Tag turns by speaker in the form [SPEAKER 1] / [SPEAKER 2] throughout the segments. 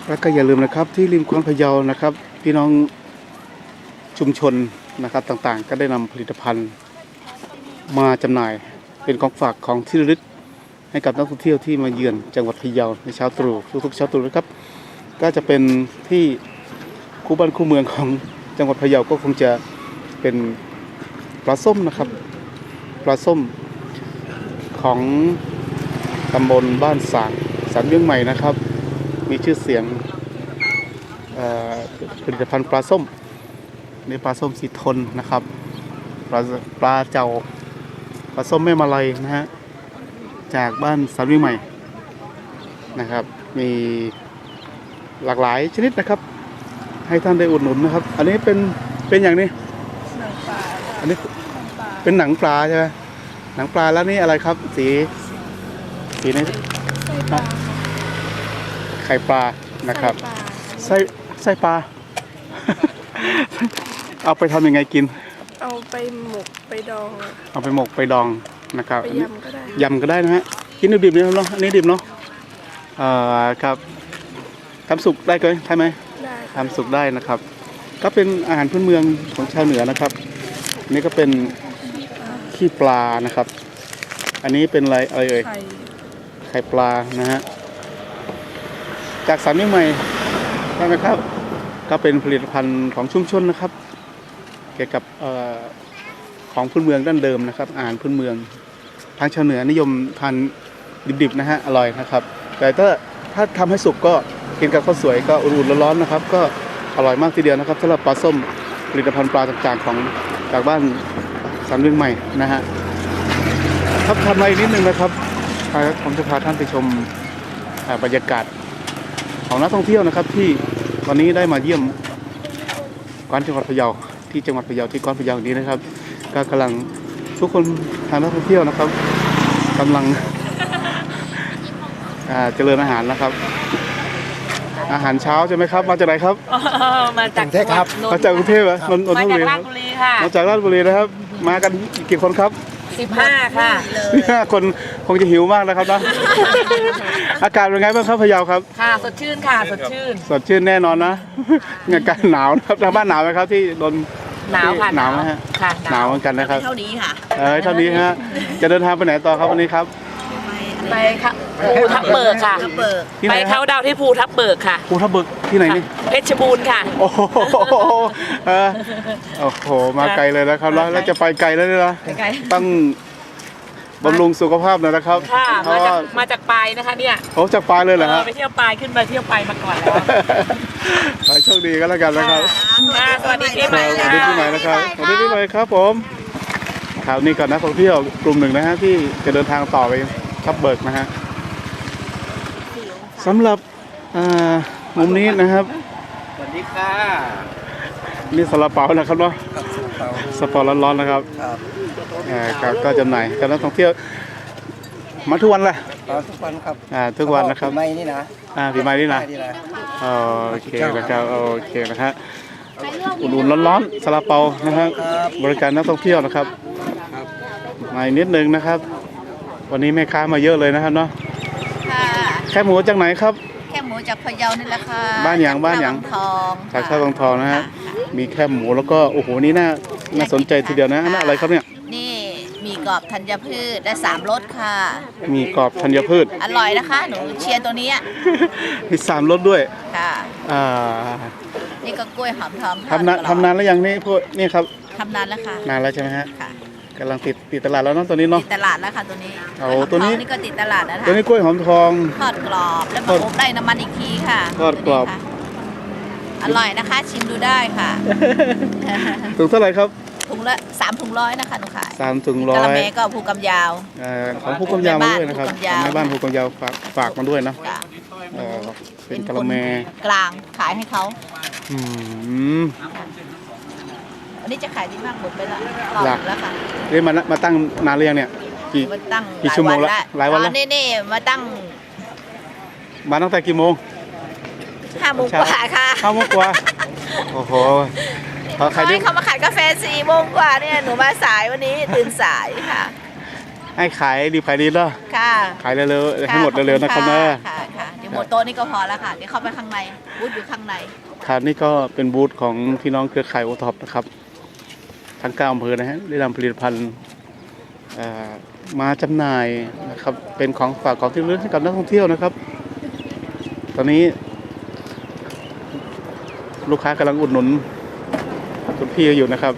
[SPEAKER 1] แล้วก็อย่าลืมนะครับที่ริมคลองพะเยานะครับพี่น้องชุมชนนะครับต่างๆก็ได้นำผลิตภัณฑ์มาจำหน่ายเป็นของฝากของที่ระลึกให้กับนักท่องเที่ยวที่มาเยือนจังหวัดพะเยาในเช้าตรู่ทุกๆเช้าตรู่นะครับก็จะเป็นที่คู่บ้านคู่เมืองของจังหวัดพะเยาก็คงจะเป็นปลาส้มนะครับปลาส้มของตำบลบ้านสางสันเมืองใหม่นะครับมีชื่อเสียงผลิตภัณฑ์ปลาส้มในปลาส้มสีทนนะครับปลาเจ้าปลาส้มแม่มาลัยนะฮะจากบ้านสันเมืองใหม่นะครับมีหลากหลายชนิดนะครับให้ท่านได้อุดหนุนนะครับอันนี้เป็นอย่างนี้หนังปลาอันนี้เป็นหนังปลาใช่ไหมหนังปลาแล้วนี่อะไรครับสีนี้ไข่ปลานะครับไส้ปลา เอาไปทำยังไงกิน
[SPEAKER 2] เอาไปหมกไปดอง
[SPEAKER 1] เอาไปหมกไปดองนะครับ
[SPEAKER 2] ไปยำก็ได้
[SPEAKER 1] ยำก็ได้นะฮะกินดิบๆนี่เนาะอันนี้ดิบเนาะครับทำสุกได้ก็ใช่ไหม
[SPEAKER 2] ได้
[SPEAKER 1] ทำสุกได้นะครับก็เป็นอาหารพื้นเมืองของชาวเหนือนะครับนี่ก็เป็นขี้ปลานะครับอันนี้เป็นอะไรเอ่ยไข่ปลานะฮะจากสันนิใหม่ใช่ไหมครับก็เป็นผลิตภัณฑ์ของชุมชนนะครับเกี่ยวกับของพื้นเมืองดั้งเดิมนะครับอาหารพื้นเมืองทางชาวเหนือนิยมทานดิบๆนะฮะอร่อยนะครับแต่ถ้าทำให้สุกก็กินกับข้าวสวยก็อุ่นๆร้อนๆนะครับก็อร่อยมากทีเดียวนะครับสำหรับปลาส้มผลิตภัณฑ์ปลาต่างๆของจากบ้านสันเมืองใหม่นะฮะครับทำอะไรนิดนึงนะครับผมจะพาท่านไปชมบรรยากาศของนักท่องเที่ยวนะครับที่วันนี้ได้มาเยี่ยมกวานจังหวัดพะเยาที่จังหวัดพะเยาที่กวานพะเยานี้นะครับก็กำลังทุกคนทางนักท่องเที่ยวนะครับกำลังเจริญอาหารนะครับอาหารเช้าใช่ไหมครับมาจากไหนครับ
[SPEAKER 3] มาจากกรุงเทพครับ
[SPEAKER 1] มาจากกรุงเทพเหรอนนทบุรี
[SPEAKER 3] มาจากราชบุรีค่ะ
[SPEAKER 1] มาจากราชบุรีนะครับมากันกี่คนครับ
[SPEAKER 3] 15ค่ะ
[SPEAKER 1] 15คนคงจะหิวมากนะครับนะอากาศเป็นไงบ้างครับพะเยาครับ
[SPEAKER 3] ค่ะสดชื่นค่ะสด
[SPEAKER 1] ชื่นแน่นอนนะอากาศหนาวนะครับทางบ้านหนาวไหมครับที่โดน
[SPEAKER 3] หนาวค่ะ
[SPEAKER 1] หนาวนะฮะหนาวเหมือนกันนะครับ
[SPEAKER 3] เท่านี้ค่ะ
[SPEAKER 1] เท่านี้ฮะจะเดินทางไปไหนต่อครับวันนี้ครับ
[SPEAKER 3] ไปภูทับเบิกค่ะไปเขาดาวที่ภูทับเบิกค่ะ
[SPEAKER 1] ภูทับเบิกที่ไหนนี่
[SPEAKER 3] เพชรบูรณ์ค่ะ
[SPEAKER 1] โอ้โหมาไกลเลยนะครับแล้วจะไปไกลแล้วเนี่ยนะต้องบำรุงสุขภาพหน่อยนะครับ
[SPEAKER 3] ค่ะมาจากปลายนะคะเนี่ย
[SPEAKER 1] โอ้จากปลายเลยเหรอครับ
[SPEAKER 3] ไปเที่ยวปลายขึ้นมาเที่ยวปลายมาก่อนแล้ว
[SPEAKER 1] ไปโชคดีก็แล้วกันนะครับ
[SPEAKER 3] สวัสดีปีใหม่
[SPEAKER 1] สวัสดีปีใหม่นะครับสวัสดีปีใหม่ครับผมครับนี่ก่อนนักท่องเที่ยวกลุ่มหนึ่งนะฮะที่จะเดินทางต่อไปทับเบิกนะฮะสำหรับมุมนี้นะครับ
[SPEAKER 4] สวัสดีค่ะ
[SPEAKER 1] นี่ซาลาเปานะครับเนาะซาลาเปาร้อนๆนะครับก็จำหน่ายกับนักท่องเที่ยวมาทุกวันแหละ
[SPEAKER 4] ทุกวันครับ
[SPEAKER 1] ทุกวันนะครับ
[SPEAKER 4] ปีใหม่นี่นะ
[SPEAKER 1] ปีใหม่นี่นะโอเคนะครับโอเคนะฮะอุ่นๆร้อนๆซาลาเปานะครับบริการนักท่องเที่ยวนะครับมานิดนึงนะครับวันนี้แม่ค้ามาเยอะเลยนะครับเนาะแค่หมูจากไหนครับ
[SPEAKER 5] แค่หมูจากพะเยานี่แหละค่ะ
[SPEAKER 1] บ้านหยางจากท่าทองนะฮะมีแค่หมูแล้วก็โอ้โหนี่น่าสนใจทีเดียวนะนั่นอะไรครับเนี่ย
[SPEAKER 5] นี่มีกรอบธัญพืชได้3รสค่ะ
[SPEAKER 1] มีกรอบธัญพืช
[SPEAKER 5] อร่อยนะคะหนูเชียร์ตัวนี้
[SPEAKER 1] มี3รสด้วย
[SPEAKER 5] ค่ะนี่ก็กล้วยหอมทอง
[SPEAKER 1] ทำนานแล้วยังนี่พวกนี่ครับ
[SPEAKER 5] ทำนานแล้วค่ะ
[SPEAKER 1] นานแล้วใช่ไหมฮะกำลังติดตลาดแล้วน้องตัวนี้เนาะ
[SPEAKER 5] ติดตลาดแล้วค่ะตัวนี้
[SPEAKER 1] ตัวนี้
[SPEAKER 5] ก็ติดตลาดนะคะ
[SPEAKER 1] ตัวนี้กล้วยหอมทอง
[SPEAKER 5] ทอดกรอบแล้วมาอบได้น้ำมันอีกทีค่ะ
[SPEAKER 1] ทอดกรอบ
[SPEAKER 5] อร่อยนะคะชิมดูได้ค่ะ
[SPEAKER 1] ถุงเท่าไหร่ครับ
[SPEAKER 5] ถุงละ3 ถุง100นะคะหนูขาย
[SPEAKER 1] 3 ถุง100
[SPEAKER 5] กะละแมก็ภูกำยาว
[SPEAKER 1] ของภูกำยาวมาด้วยนะครับแม่บ้านภูกำยาวฝากมาด้วยนะเป็นกะละแม
[SPEAKER 5] กลางขายให้เขาอันนี้จะขายดีมากหมดไปแล้วค่ะ
[SPEAKER 1] นี่มาตั้งนานหรือยังเนี่ยกี่ชั่วโมงแล้วหลายวันแล้ว
[SPEAKER 5] นี่มาตั้
[SPEAKER 1] งแต่กี่โมง
[SPEAKER 5] 5 โมงกว่าค่ะ
[SPEAKER 1] 5 โมงกว่าโอ้โห
[SPEAKER 5] เขามาขายกาแฟ4 โมงกว่าเนี่ยหนูมาสายวันนี้ตื่นสายค่ะ
[SPEAKER 1] ให้ขายดีเนาะ
[SPEAKER 5] ค่ะ
[SPEAKER 1] ขายเร็วๆให้หมดเร็วๆนะครับนะ
[SPEAKER 5] ค่ะเดี๋ยวหมดโต๊ะนี่ก็พอแล้วค่ะเดี๋ยวเข้าไปข้างในบูธอยู่ข้างใน
[SPEAKER 1] ครับนี่ก็เป็นบูธของพี่น้องเครือข่ายโอท็อปนะครับทั้ง9อำเภอนะฮะได้นำผลิตภัณฑ์มาจำหน่ายนะครับเป็นของฝากของที่ระลึกให้กับนักท่องเที่ยวนะครับ ตอนนี้ลูกค้ากำลังอุดหนุนคุณพี่อยู่นะครับ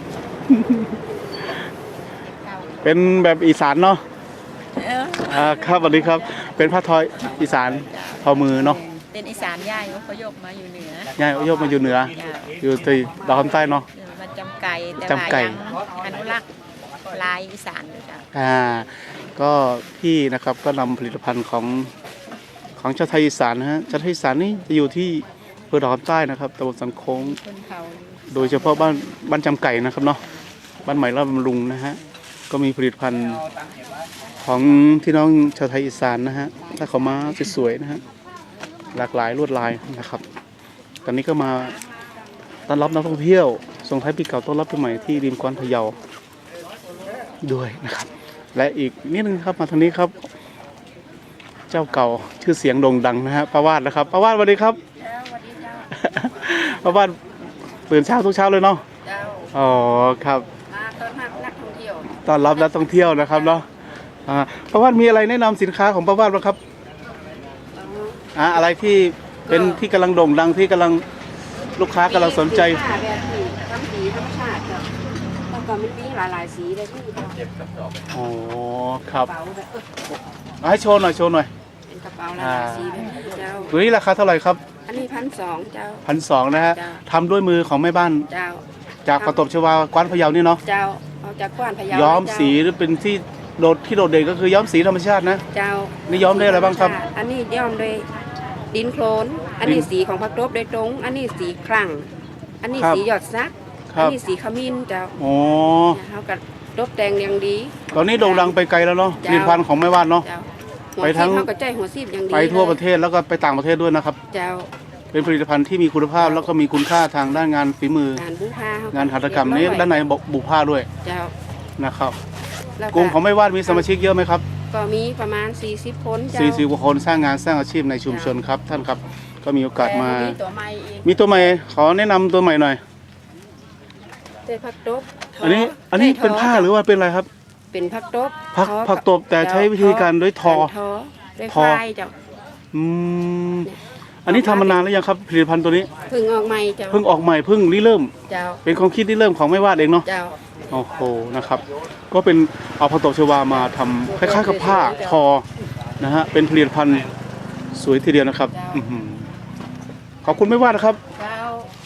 [SPEAKER 1] เป็นแบบอีสานเนาะครับสวัสดีครับเป็นผ้าทออีสานทอมือเนาะ
[SPEAKER 6] เป็นอีสานย่ายเขายกมาอยู่เหนือ
[SPEAKER 1] ง่ายยกมาอยู่เหนืออยู่ที่ดาวคำใต้เนาะ
[SPEAKER 6] มาจำไก่แต่
[SPEAKER 1] จำไก่
[SPEAKER 6] ว่ายังอนุรักษ์ลายอีสานอยู่จ้ะ
[SPEAKER 1] ก็พี่นะครับก็นำผลิตภัณฑ์ของชาวไทยอีสานนะฮะชาวไทยอีสานนี่จะอยู่ที่อำเภอดาวคำใต้นะครับตำบลสันโค้ง
[SPEAKER 6] คนเขา
[SPEAKER 1] โดยเฉพาะบ้านจำไก่นะครับเนาะบ้านใหม่ราชบำรุงนะฮะก็มีผลิตภัณฑ์ของที่น้องชาวไทยอีสานนะฮะถ้าเขามาสวยๆนะฮะหลากหลายลวดลายนะครับ ตอนนี้ก็มาต้อนรับนักท่องเที่ยวส่งท้ายปีเก่าต้อนรับปีใหม่ที่ริมกว้านพะเยาด้วยนะครับ และอีกนิดนึงครับมาทางนี้ครับ เจ้าเก่าชื่อเสียงโด่งดังนะฮะป้าวาดนะครับป้าวาดสวัสดีครับป้าวาดตื่นเช้าทุกเช้าเลยเนาะอ๋อครับ
[SPEAKER 6] มาต้อนรับนักท่องเที่ยว
[SPEAKER 1] ต้อนรับนักท่องเที่ยวนะครับเนาะป้าวาดมีอะไรแนะนำสินค้าของป้าวาดบ้างครับอะไรที่เป็นที่กำลังโด่งดังที่กำลังลูกค้ากำลังสนใจ
[SPEAKER 6] แบบที่ทำสีธรรมชาติจ้ะแล้วก็มันมีหลายๆสีเลยที่
[SPEAKER 1] อ๋อครับ
[SPEAKER 6] กระเป๋าแบบ
[SPEAKER 1] ให้โชว์หน่อยโชว์หน่อย
[SPEAKER 6] เป็นกระเป๋าหลายๆสีแบบนี้เจ้า
[SPEAKER 1] ตัวนี้ราคาเท่าไหร่ครับ
[SPEAKER 6] อันนี้1,200เจ้า
[SPEAKER 1] 1,200นะฮะ
[SPEAKER 6] จ้ะ
[SPEAKER 1] ทำด้วยมือของแม่บ้าน
[SPEAKER 6] เจ้า
[SPEAKER 1] จากประตบชวากว้านพะเยานี่เนาะ
[SPEAKER 6] เจ้าเอาจากกว้านพะเยา
[SPEAKER 1] ย้อม
[SPEAKER 6] เจ้า
[SPEAKER 1] สีหรือเป็นที่โดดเด่นก็คือย้อมสีธรรมชาตินะ
[SPEAKER 6] เจ้า
[SPEAKER 1] นี่ย้อมได้อะไรบ้างครับ
[SPEAKER 6] อันนี้ย้อมโดยดินโคลน อันนี้สีของผักตบโดยตรง อันนี้สีครั่ง อันนี้
[SPEAKER 1] ครับ
[SPEAKER 6] สีหยอดซัก
[SPEAKER 1] ครั
[SPEAKER 6] อั
[SPEAKER 1] บ
[SPEAKER 6] นี้สีขมิ้นเจ้า
[SPEAKER 1] โอ้
[SPEAKER 6] เขากับตบแต่งอย่างดี
[SPEAKER 1] ตอนนี้โด่งดังไปไกลแล้วเนาะผ
[SPEAKER 6] จ้ะ
[SPEAKER 1] ลิตภัณฑ์ของแม่บ้านเนาะ
[SPEAKER 6] เจ้าหัว
[SPEAKER 1] ไปทั้
[SPEAKER 6] ซี
[SPEAKER 1] ง
[SPEAKER 6] บเขาก็ใจหัวซีบอย่างดี
[SPEAKER 1] ไปทั่วประ
[SPEAKER 6] ลย
[SPEAKER 1] เทศแล้วก็ไปต่างประเทศด้วยนะครับ
[SPEAKER 6] เจ้า
[SPEAKER 1] เป็นผลิตภัณฑ์ที่มีคุณภาพแล้วก็มีคุณค่าทางด้านงานฝีมือ
[SPEAKER 6] การบูผ้าเข
[SPEAKER 1] งานหัตถกรรมนี้
[SPEAKER 6] เยบอย
[SPEAKER 1] ด้านในบุผ้าด้วย
[SPEAKER 6] เจ้า
[SPEAKER 1] นะครับ
[SPEAKER 6] แล้ว
[SPEAKER 1] กลุ่มของแม่บ้านมีสมาชิกเยอะไหมครับ
[SPEAKER 6] ก็มีประมาณ40คนเจ้า
[SPEAKER 1] 40กว่าคนสร้างงานสร้างอาชีพในชุมชนครับท่านครับก็มีโอกาสมา
[SPEAKER 6] แต่ตัวใหม่อีก
[SPEAKER 1] มีตัวใหม่ขอแนะนำตัวใหม่หน่อย
[SPEAKER 6] เจ้ผักตบ
[SPEAKER 1] อันนี้เป็นผ้าหรือว่าเป็นอะไรครับ
[SPEAKER 6] เป็นผักตบ
[SPEAKER 1] ผักตบแต่ใช้วิธีการด้วยทอ
[SPEAKER 6] ด้วย
[SPEAKER 1] ทอ
[SPEAKER 6] ไฟเจ้า
[SPEAKER 1] อืมอันนี้ทำมานานแล้วยังครับผลิตภัณฑ์ตัวนี้
[SPEAKER 6] เพึ่งออกใหม่เจ้า
[SPEAKER 1] เพิ่งออกใหม่เพิ่งริเริ่ม
[SPEAKER 6] เจ้า
[SPEAKER 1] เป็นความคิดที่เริ่มของแม่วาดเองเนาะ
[SPEAKER 6] เจ้า
[SPEAKER 1] โอ้โหนะครับ ก็เป็นเอาผักตบชวามาทำคล้ายๆกับผ้าทอนะฮะเป็นผลิตภัณฑ์สวยทีเดียวนะครับอื้อหือขอบคุณแม่วาดนะครับ
[SPEAKER 6] เจ้า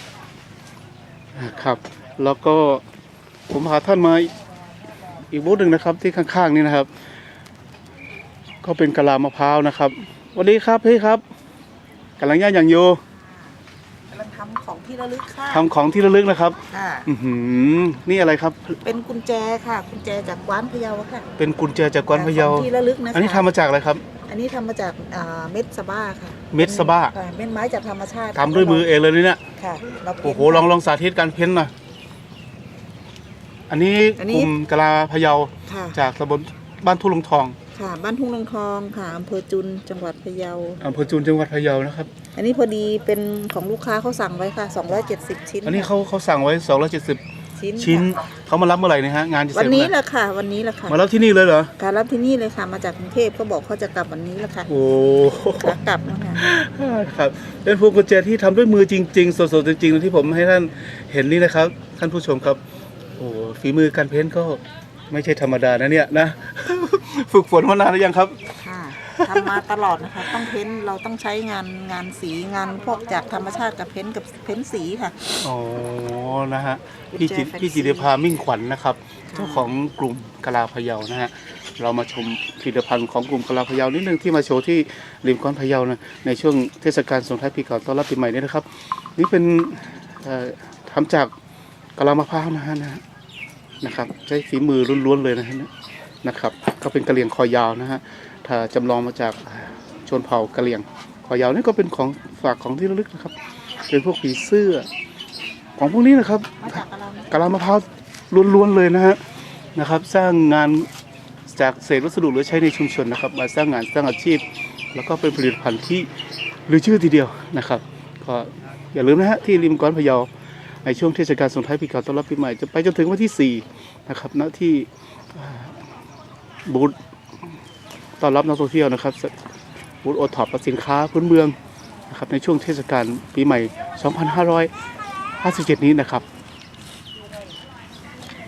[SPEAKER 1] ครับ แล้วก็ผมพาท่านมาอีกบูธหนึ่งนะครับที่ข้างๆนี่นะครับ ก็เป็นกะลามะพร้าวนะครับสวัสดีครับพี่ครับกำลังย่างอย่างโย
[SPEAKER 7] กำลังทำของที่ระลึกค่ะ
[SPEAKER 1] ทำของที่ระลึกนะครับ
[SPEAKER 7] ค่ะ
[SPEAKER 1] อื้อหือนี่อะไรครับ
[SPEAKER 7] เป็นกุญแจค่ะกุญแจจากกว้านพะเยาค่ะ
[SPEAKER 1] เป็นกุญแจจากกวานพะเยา
[SPEAKER 7] ของที่ระลึกนะคะ
[SPEAKER 1] อันนี้ทำมาจากอะไรครับ
[SPEAKER 7] อันนี้ทำมาจากเม็ดสะบ้าค่ะ
[SPEAKER 1] เม็ดสะบ้า
[SPEAKER 7] ค่ะเม็ดไม้จากธรรมชาติ
[SPEAKER 1] ทำด้วยมือเองเลยนี่เนี่ย
[SPEAKER 7] ค่ะเราเพ้น
[SPEAKER 1] โอ้โหลองสาธิตการเพ้นหน่อยอันนี้
[SPEAKER 7] อัน
[SPEAKER 1] ก
[SPEAKER 7] นี้
[SPEAKER 1] ลุ่มกะลาพะเยา
[SPEAKER 7] ค่ะ
[SPEAKER 1] จากตำบลบ้านทุ่งลงทอง
[SPEAKER 7] ค่ะบ้านทุ่งลงทองค่ะอำเภอจุนจังหวัดพะเยา
[SPEAKER 1] อำเภอจูนจังหวัดพะเยานะครับ
[SPEAKER 7] อันนี้พอดีเป็นของลูกค้าเขาสั่งไว้ค่ะ270ชิ้น
[SPEAKER 1] อันนี้เขาสั่งไว้270
[SPEAKER 7] ชิ้น
[SPEAKER 1] ชิ้น
[SPEAKER 7] ค่ะ
[SPEAKER 1] เขามารับเมื่อไหร่เนี่ยฮะงานจะเส
[SPEAKER 7] วั
[SPEAKER 1] ร็
[SPEAKER 7] น
[SPEAKER 1] จ
[SPEAKER 7] นี้
[SPEAKER 1] เมื่อ
[SPEAKER 7] แห
[SPEAKER 1] ไหร่
[SPEAKER 7] ละค่ะ วันนี้แหละค่ะ
[SPEAKER 1] มารับที่นี่เลยเหรอ
[SPEAKER 7] การรับที่นี่เลยค่ะมาจากกรุงเทพก็บอกเขาจะกลับวันนี้แหละค่ะ
[SPEAKER 1] โอ้
[SPEAKER 7] ขากลับนะคะ
[SPEAKER 1] ครับเป็นพวงกุญแจที่ทำด้วยมือจริงๆสดๆจริงๆที่ผมให้ท่านเห็นนี่นะครับท่านผู้ชมครับโอ้ฝีมือการเพ้นก็ไม่ใช่ธรรมดานะเนี่ยนะ ฝึกฝนมานานหรือยังครับ
[SPEAKER 7] ค่ะทำมาตลอดนะคะต้องเพ้นเราต้องใช้งานสีงานพวกจากธรรมชาติกับเพ้นสีค่ะ
[SPEAKER 1] อ๋อนะฮะ
[SPEAKER 7] กุญ
[SPEAKER 1] พี่
[SPEAKER 7] แจ
[SPEAKER 1] จิ
[SPEAKER 7] แฟนซี
[SPEAKER 1] พี่จิรภามิ่งขวัญนะครับเจ้าของกลุ่มกะลาพะเยานะฮะเรามาชมผลิตภัณฑ์ของกลุ่มกะลาพะเยานิดนึงที่มาโชว์ที่ริมก้อนพะเยานะในช่วงเทศกาลส่งท้ายปีเก่าต้อนรับปีใหม่นี้นะครับ นี่เป็นทำจากกะลามะพร้าวนะครับใช้ฝีมือล้วนๆเลยนะครับก็เป็นกะเหรี่ยงคอยาวนะฮะถ้าจำลองมาจากชนเผ่ากะเหรี่ยงคอยาวนี่ก็เป็นของฝากของที่ระลึกนะครับเป็นพวกผีเสื้อของพวกนี้นะครับ
[SPEAKER 7] มาจากอะไร
[SPEAKER 1] กะลามะพร้าวล้วนๆเลยนะครับ สร้างงานจากเศษวัสดุเหลือใช้ในชุมชนนะครับมาสร้างงานสร้างอาชีพ แล้วก็เป็นผลิตภัณฑ์ที่หรือชื่อทีเดียวนะครับก็อย่าลืมนะฮะที่ริมก้อนพะเยาในช่วงเทศกาลส่งท้ายปีเก่าต้อนรับปีใหม่จะไปจนถึงวันที่4นะครับณที่บูธต้อนรับนักท่องเที่ยวนะครับบูธโอท็อปสินค้าพื้นเมืองนะครับในช่วงเทศกาลปีใหม่ 2557 นี้นะครับ